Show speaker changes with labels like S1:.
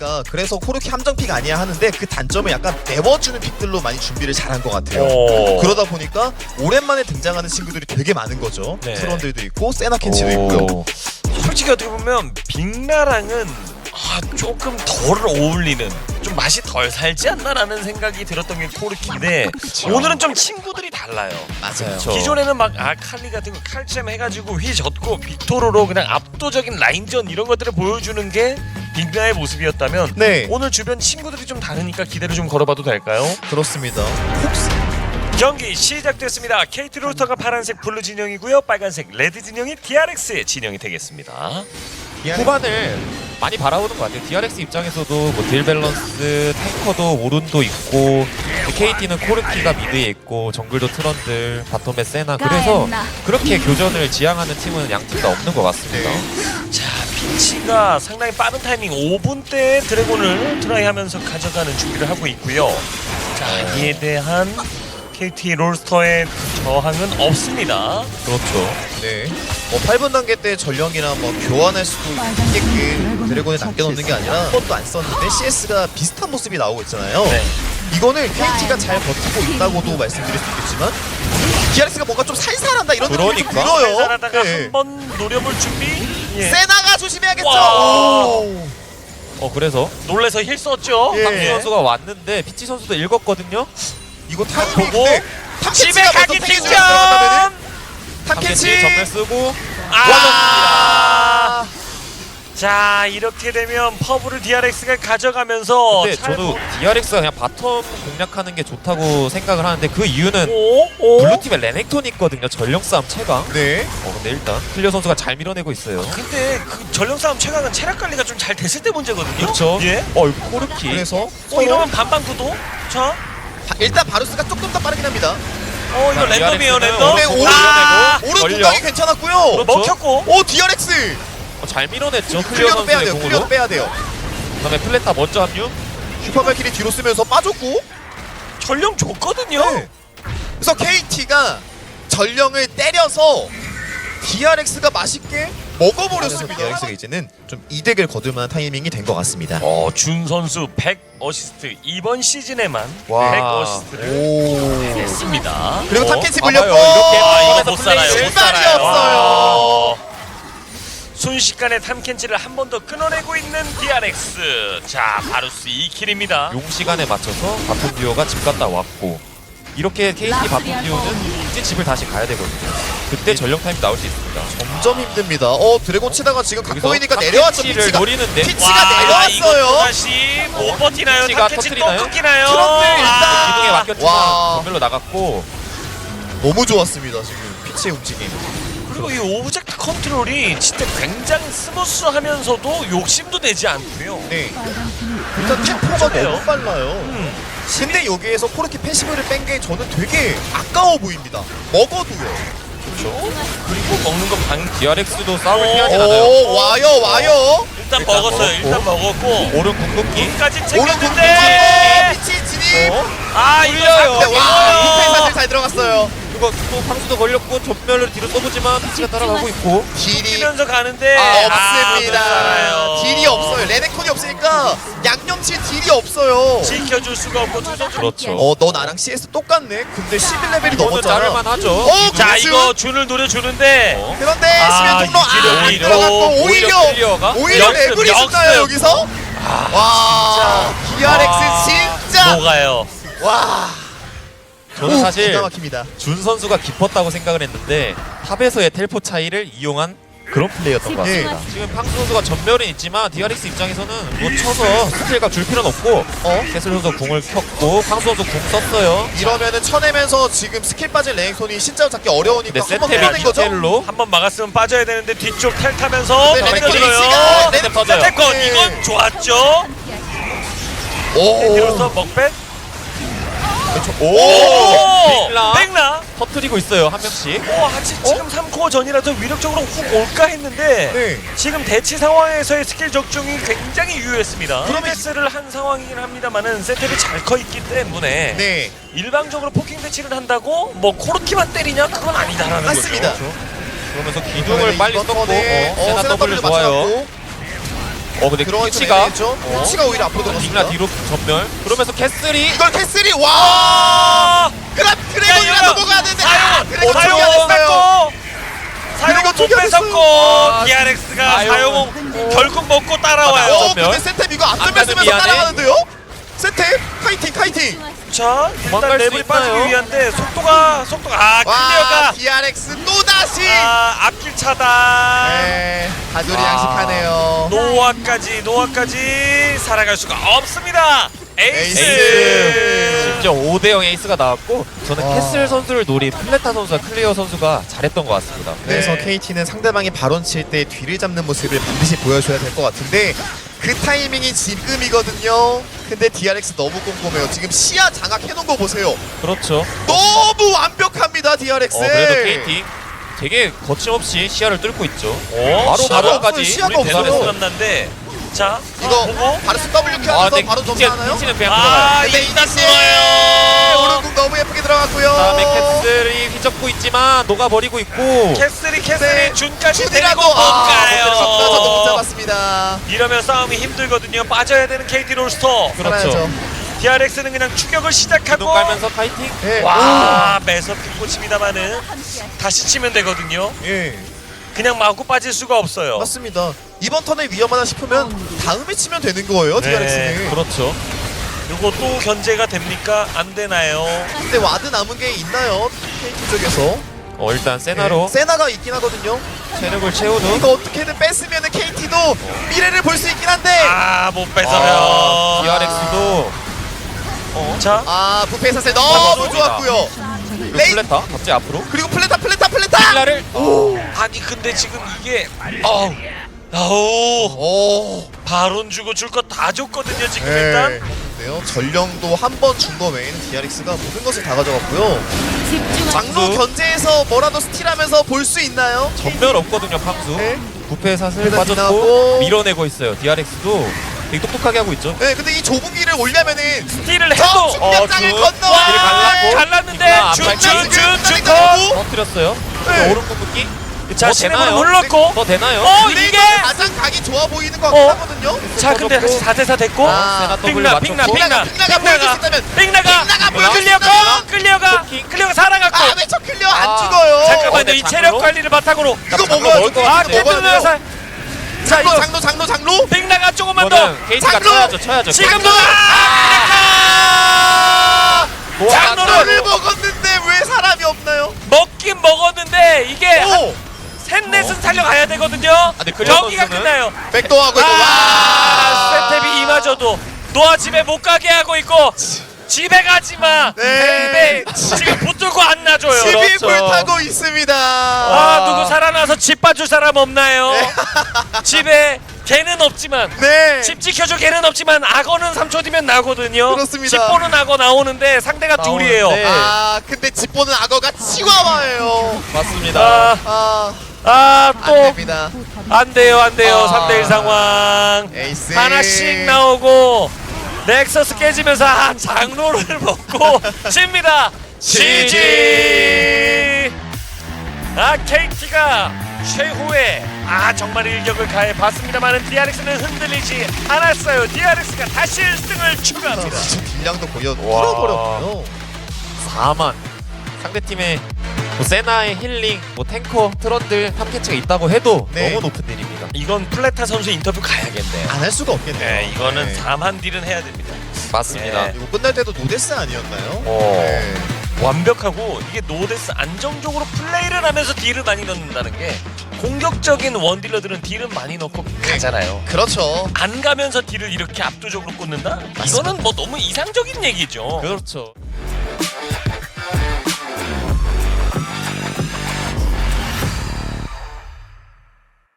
S1: 보니까 그래서 코르키 함정픽 아니야 하는데 그 단점을 약간 메워주는 픽들로 많이 준비를 잘한 것 같아요. 그러다 보니까 오랜만에 등장하는 친구들이 되게 많은 거죠.
S2: 네.
S1: 트론들도 있고 세나켄치도 있고요.
S2: 솔직히 어떻게 보면 빅나랑은 조금 덜 어울리는, 좀 맛이 덜 살지 않나라는 생각이 들었던 게 코르키인데 오늘은 좀 친구들이 달라요.
S1: 맞아요.
S2: 기존에는 막 칼리 같은 거 칼챔 해가지고 휘젓고 빅토르로 그냥 압도적인 라인전 이런 것들을 보여주는 게 빅나의 모습이었다면
S1: 네.
S2: 오늘 주변 친구들이 좀 다르니까 기대를 좀 걸어봐도 될까요?
S1: 그렇습니다. 혹시
S2: 경기 시작됐습니다. KT 로스터가 파란색 블루 진영이고요, 빨간색 레드 진영이 DRX 진영이 되겠습니다.
S3: 후반을 많이 바라보는 것 같아요. DRX 입장에서도 뭐 딜 밸런스, 탱커도 오른도 있고 KT는 코르키가 미드에 있고 정글도 트런들, 바텀에 세나, 그래서 그렇게 교전을 지향하는 팀은 양 팀 다 없는 것 같습니다.
S2: 자, 피치가 상당히 빠른 타이밍 5분 때 드래곤을 트라이하면서 가져가는 준비를 하고 있고요. 자, 이에 대한 KT 롤스터의 저항은 없습니다.
S3: 그렇죠.
S1: 네. 8분 단계 때 전령이나 뭐 교환할 수도 있게끔 드래곤에 남겨놓는 게 아니라 한 번도 안 썼는데 CS가 비슷한 모습이 나오고 있잖아요.
S2: 네.
S1: 이거는 KT가 잘 버티고 있다고도 말씀드릴 수 있겠지만 DRX가 뭔가 좀 살살한다 이런 느낌이 좀
S3: 그러니까.
S1: 들어요.
S2: 살살하다가
S1: 네.
S2: 한번 노려볼 준비. 예.
S1: 세나가 조심해야겠죠.
S2: 와.
S1: 오.
S3: 그래서
S2: 놀래서 힐 썼죠.
S1: 예.
S3: 황수 선수가 왔는데 피치 선수도 읽었거든요.
S1: 이거 타이밍
S2: 보고
S1: 근데
S2: 집에
S1: 탐켄치가
S2: 가기
S1: 먼저
S2: 직전.
S1: 들어간다면은
S3: 탐켄치
S1: 탐켄치
S3: 전멸 쓰고
S2: 아. 자, 이렇게 되면 퍼블을 DRX가 가져가면서
S3: 근데 저도 DRX가 그냥 바텀 공략하는 게 좋다고 생각을 하는데 그 이유는 블루팀에 레넥톤이 있거든요. 전령 싸움 최강.
S1: 네.
S3: 근데 일단 클리어 선수가 잘 밀어내고 있어요.
S2: 근데 그 전령 싸움 최강은 체력 관리가 좀 잘 됐을 때 문제거든요.
S3: 그렇죠.
S2: 예.
S3: 이거 코르키.
S1: 그래서
S2: 이러면 반반 구도. 자,
S1: 일단 바루스가 조금 더 빠르긴 합니다.
S2: 이거 랜덤이에요,
S3: DRX 는
S2: 랜덤.
S1: 네,
S3: 오른
S2: 아,
S1: 오른
S3: 전령.
S1: 공격이 괜찮았고요.
S3: 그렇죠.
S2: 먹혔고.
S1: 오 DRX
S3: 잘 밀어냈죠. 클리어
S1: 클리어도 빼야
S3: 선수의
S1: 돼요. 클리어도
S3: 공으로.
S1: 빼야 돼요.
S3: 그다음에 플레타 먼저 합류.
S1: 슈퍼발키리 뒤로 쓰면서 빠졌고.
S2: 전령 줬거든요.
S1: 네. 그래서 KT가 전령을 때려서 DRX가 맛있게 먹어버렸습니다. DRX가 이제는 좀 이득을 거둘 만한 타이밍이 된 것 같습니다.
S2: 준 선수 100 어시스트 이번 시즌에만
S1: 와.
S2: 100 어시스트를
S1: 오.
S2: 했습니다.
S1: 그리고 탐켄치 물렸고.
S3: 이렇게
S2: 이거 못 살아요. 못
S1: 실발이
S2: 살아요.
S1: 없어요.
S2: 순식간에 탐켄치를 한 번 더 끊어내고 있는 DRX. 자, 바루스 2킬입니다.
S3: 용 시간에 맞춰서 바텀 듀오가 집 갔다 왔고 이렇게 KT 바텀 듀오는 이제 집을 다시 가야 되거든요. 그때 전령 타임 나올 수 있습니다.
S1: 점점 힘듭니다. 드래곤 치다가 지금 갖고
S3: 여기서
S1: 있니까 내려왔죠.
S3: 탐켄치를
S1: 피치가.
S3: 노리는데
S1: 피치가
S2: 이거
S1: 내려왔어요.
S2: 다시 못 버티나요?
S3: 피치가
S2: 탐켄치 또
S3: 터뜨리나요?
S2: 끊기나요?
S1: 트럼프 일단.
S3: 기둥에
S1: 와.
S3: 맡겼지만 전멸로 나갔고
S1: 너무 좋았습니다. 지금 피치의 움직임.
S2: 그리고 이 오브젝트 컨트롤이 진짜 굉장히 스무스하면서도 욕심도 내지 않고요.
S1: 네. 일단 템포가
S2: 그래요?
S1: 너무 빨라요. 근데 여기에서 코르키 패시브를 뺀 게 저는 되게 아까워 보입니다. 먹어도요.
S2: 그렇죠. 그리고 먹는 거 방.
S3: DRX도 싸움을 피하진 않아요.
S1: 오 와요.
S2: 일단
S3: 일단
S2: 먹었어요.
S3: 먹었고.
S2: 일단 먹었고.
S3: 오른 궁극기.
S2: 까지
S1: 오른
S2: 챙겼는데.
S1: 피치 진입.
S2: 아, 이거
S3: 올려요.
S1: 네, 와
S2: 와.
S1: 디펜스 잘 들어갔어요.
S3: 그거 또 방수도 걸렸고 전멸을 뒤로 써보지만 피치가 따라가고 있고
S1: 딜이
S2: 뛰면서 가는데
S1: 없습니다. 딜이 없어요. 레넥톤이 없으니까 양념칠 딜이 없어요.
S2: 지켜줄 수가 없고 두 선수.
S3: 그렇죠.
S1: 너 나랑 CS 똑같네. 근데 11레벨이
S3: 이거는
S1: 넘었잖아.
S3: 자를만 하죠.
S2: 자,
S1: 그렇죠.
S2: 이거 준을 노려주는데
S1: 그런데
S2: 아,
S1: 수면 통로
S2: 유지를
S1: 안
S2: 오히려,
S1: 들어갔고
S3: 오히려 클리어가?
S1: 오히려
S2: 역습,
S1: 레벨이 있을까요
S2: 역습.
S1: 여기서? 와 DRX 진짜
S2: 녹아요.
S1: 와
S3: 저는 사실
S1: 기가 막힙니다.
S3: 준 선수가 깊었다고 생각을 했는데 탑에서의 텔포 차이를 이용한 그런 플레이였던 것 같습니다.
S1: 예.
S3: 지금 팡수 선수가 전멸은 있지만 DRX 입장에서는 뭐 쳐서 스킬각 줄 필요는 없고 캐슬 선수 궁을 켰고 팡수 선수 궁 썼어요.
S1: 이러면은 쳐내면서 지금 스킬 빠진 레넥톤이 신짜로 잡기 어려우니까
S3: 근데
S1: 한번
S3: 세테비
S1: 끊어낸 거죠?
S3: 디테일로
S2: 한 번 막았으면 빠져야 되는데 뒤쪽 텔 타면서
S1: 네,
S3: 레넥톤이
S2: 던져줘요.
S1: 시간,
S3: 네, 터져요.
S2: 태권
S1: 네.
S2: 이건 좋았죠.
S1: 오,
S2: 뒤로서 먹bet.
S1: 오,
S3: 백라.
S2: 백라.
S3: 터트리고 있어요 한 명씩.
S2: 하치 지금 3코어 전이라서 위력적으로 훅 올까 했는데
S1: 네.
S2: 지금 대치 상황에서의 스킬 적중이 굉장히 유효했습니다.
S1: 그러면-
S2: 프로미스를 한 상황이긴 합니다만은 세텔이 잘 커 있기 때문에
S1: 네
S2: 일방적으로 포킹 대치를 한다고 뭐 코르키만 때리냐 그건 아니다라는
S1: 맞습니다.
S2: 거죠.
S3: 그러면서 기둥을 빨리 썼고
S1: 네.
S3: 세나 W 좋아요. 근데
S1: 들어가기
S3: 키치가
S1: 전에 키치가 오히려 앞으로 들어갔습니다.
S3: 빅나 뒤로 전멸. 그러면서 캐슬이
S1: 이걸 캐슬이 와!
S2: 아!
S1: 그럼 드래곤이라
S2: 이거
S1: 넘어가야 되는데
S2: 사용
S1: 드래곤
S2: 못
S1: 초기화됐어요.
S2: 뺐고 사용 못
S1: 초기화됐어요.
S2: 뺐었고 DRX가
S3: 사용.
S2: 사용 결국 먹고 따라와요.
S1: 근데 세템 이거 안
S3: 안
S1: 덤볐으면서
S3: 가면 미안해.
S1: 따라가는데요? 세템 카이팅.
S2: 자 일단
S3: 도망갈 수
S2: 레벨이 빠지기
S3: 있나요?
S2: 위한데 속도가
S1: 와
S2: 클리어가
S1: DRX 또 다시.
S2: 앞길 차단.
S1: 네, 가돌이
S3: 아.
S1: 양식하네요.
S2: 노아까지 살아갈 수가 없습니다. 에이스.
S1: 에이스.
S3: 심지어 5대0 에이스가 나왔고 저는
S1: 와.
S3: 캐슬 선수를 노린 플레타 선수와 클리어 선수가 잘했던 것 같습니다.
S1: 그래서
S2: 네.
S1: KT는 상대방이 바론 칠 때 뒤를 잡는 모습을 반드시 보여줘야 될 것 같은데 그 타이밍이 지금이거든요. 근데 DRX 너무 꼼꼼해요. 지금 시야 장악해놓은 거 보세요.
S3: 그렇죠.
S1: 너무 완벽합니다 DRX.
S3: 그래도 KT 되게 거침없이 시야를 뚫고 있죠.
S2: 오,
S3: 바로 바로까지
S1: 시야가
S2: 우리 대단했어
S1: 없어요.
S2: 남는데 자
S1: 이거
S2: 보고
S1: 바르스 W
S3: 아,
S1: 켜면서
S3: 근데
S1: 바로 점수하나요?
S3: 키치는 그냥
S2: 아
S3: 들어가요.
S1: 근데
S2: 일단
S1: 이니시
S2: 들어요.
S1: 오른궁 너무 예쁘게 들어갔고요.
S3: 다음에 캐슬이 휘젓고 있지만 녹아버리고 있고
S2: 캐슬이
S1: 네.
S2: 준까지
S1: 준이라도
S2: 데리고 못
S1: 저도 못
S2: 가요.
S1: 잡았습니다.
S2: 이러면 싸움이 힘들거든요. 빠져야 되는 KT 롤스터.
S3: 그렇죠.
S1: 살아야죠.
S2: DRX는 그냥 추격을 시작하고
S3: 눈 깔면서 파이팅.
S1: 네.
S2: 와 매섭게 꽂힙니다만은 다시 치면 되거든요.
S1: 예.
S2: 그냥 마구 빠질 수가 없어요.
S1: 맞습니다. 이번 턴에 위험하다 싶으면 다음에 치면 되는 거예요
S2: 네.
S1: DRX는.
S3: 그렇죠.
S2: 이거 또 견제가 됩니까? 안 되나요?
S1: 근데 와드 남은 게 있나요? KT 쪽에서.
S3: 일단 세나로
S1: 세나가 있긴 하거든요.
S3: 체력을 채우는.
S1: 이거 어떻게든 뺐으면 KT도 미래를 볼 수 있긴 한데.
S2: 못 뺏어요.
S3: DRX도
S2: 자
S1: 부패 사세 너무
S3: 맞습니다.
S1: 좋았고요.
S3: 그리고
S1: 레이
S3: 플레타 갑자기 앞으로
S1: 그리고 플레타.
S3: 힐라를
S2: 아니 근데 지금 이게 아우
S1: 오.
S2: 바론 주고 줄 거 다 줬거든요 지금
S1: 네.
S2: 일단.
S1: 네요. 전령도 한 번 준 거 외에는 DRX가 모든 것을 다 가져갔고요. 장로
S3: 팡수.
S1: 견제에서 뭐라도 스틸하면서 볼 수 있나요?
S3: 전멸 없거든요. 팡수.
S1: 네.
S3: 부패 사슬
S1: 부패
S3: 빠졌고
S1: 지나고.
S3: 밀어내고 있어요. DRX도 되게 똑똑하게 하고 있죠.
S1: 네, 근데 이 좁은 길을 올려면은
S2: 스틸을
S1: 저
S2: 해도
S1: 중력장을
S3: 준.
S1: 건너와.
S3: 길을 갈랐고.
S2: 갈랐는데
S3: 아,
S2: 준준준준
S3: 터뜨렸어요.
S1: 네.
S3: 오른 궁극기.
S2: 자
S3: 더
S2: 시네모를
S3: 되나요?
S2: 눌렀고
S3: 더 되나요?
S2: 이게
S1: 가장 각이 좋아 보이는 것 같긴 하거든요.
S2: 자 근데 다시 4대4 됐고
S1: 아,
S3: 세나 더블
S2: 빅나
S3: 맞췄고.
S1: 빅나가 보여줄 수 있다면
S2: 빅나가
S1: 보여줄 수
S2: 끌려가 살아갔고
S1: 왜 저 클리어 안
S3: 아,
S1: 죽어요?
S2: 잠깐만요
S3: 근데
S2: 이
S3: 장로?
S2: 체력 관리를 바탕으로
S1: 이거
S3: 장로
S1: 먹어야죠.
S3: 먹을 것
S1: 아,
S3: 같은데.
S1: 먹어야 돼요.
S2: 자
S1: 장로
S2: 이거
S1: 장로
S2: 빅나가 조금만 더
S3: 이거는 KT가
S1: 장로!
S3: 쳐야죠.
S2: 지금도
S1: 장로를 먹었는데 왜 사람이 없나요?
S2: 먹긴 먹었는데 이게
S1: 오!
S2: 셋넷은 살려가야 되거든요
S3: 근데 클리어
S2: 여기가
S3: 선수는
S2: 끝나요
S1: 백도하고 있고
S2: 세탭이 이마저도 노아 집에 못 가게 하고 있고 집에 가지마
S1: 네.
S2: 지금 붙들고 안 놔줘요
S1: 집이
S3: 그렇죠.
S1: 불타고 있습니다.
S2: 누구 살아나서 집 봐줄 사람 없나요? 집에 개는 없지만
S1: 네.
S2: 집 지켜줄 개는 없지만 악어는 3초 뒤면 나거든요.
S1: 그렇습니다.
S2: 집 보는 악어 나오는데 상대가 둘이에요.
S3: 네.
S1: 근데 집 보는 악어가 치와와예요.
S3: 맞습니다.
S1: 안
S2: 또
S1: 됩니다.
S2: 안 돼요.
S1: 아.
S2: 3대1 상황.
S1: 에이스.
S2: 하나씩 나오고 넥서스 깨지면서 장로를 먹고 집니다.
S1: GG.
S2: KT가 최후의 정말 일격을 가해봤습니다만은 DRX는 흔들리지 않았어요. DRX가 다시 1승을 추가합니다.
S1: 지금 딜량도 거의
S3: 와.
S1: 뚫어버렸고요.
S3: 4만. 상대팀에 세나의 힐링, 탱커, 트런들 3캐치가 있다고 해도
S1: 네.
S3: 너무 높은 딜입니다.
S2: 이건 플레타 선수 인터뷰 가야겠네요.
S1: 안 할 수가 없겠네요.
S2: 네, 이거는
S1: 네.
S2: 4만 딜은 해야 됩니다.
S3: 맞습니다.
S2: 네.
S1: 이거 끝날 때도 노데스 아니었나요?
S3: 네.
S2: 완벽하고 이게 노데스 안정적으로 플레이를 하면서 딜을 많이 넣는다는 게 공격적인 원딜러들은 딜은 많이 넣고 가잖아요.
S1: 그렇죠.
S2: 안 가면서 딜을 이렇게 압도적으로 꽂는다? 이거는 뭐 너무 이상적인 얘기죠.
S3: 그렇죠.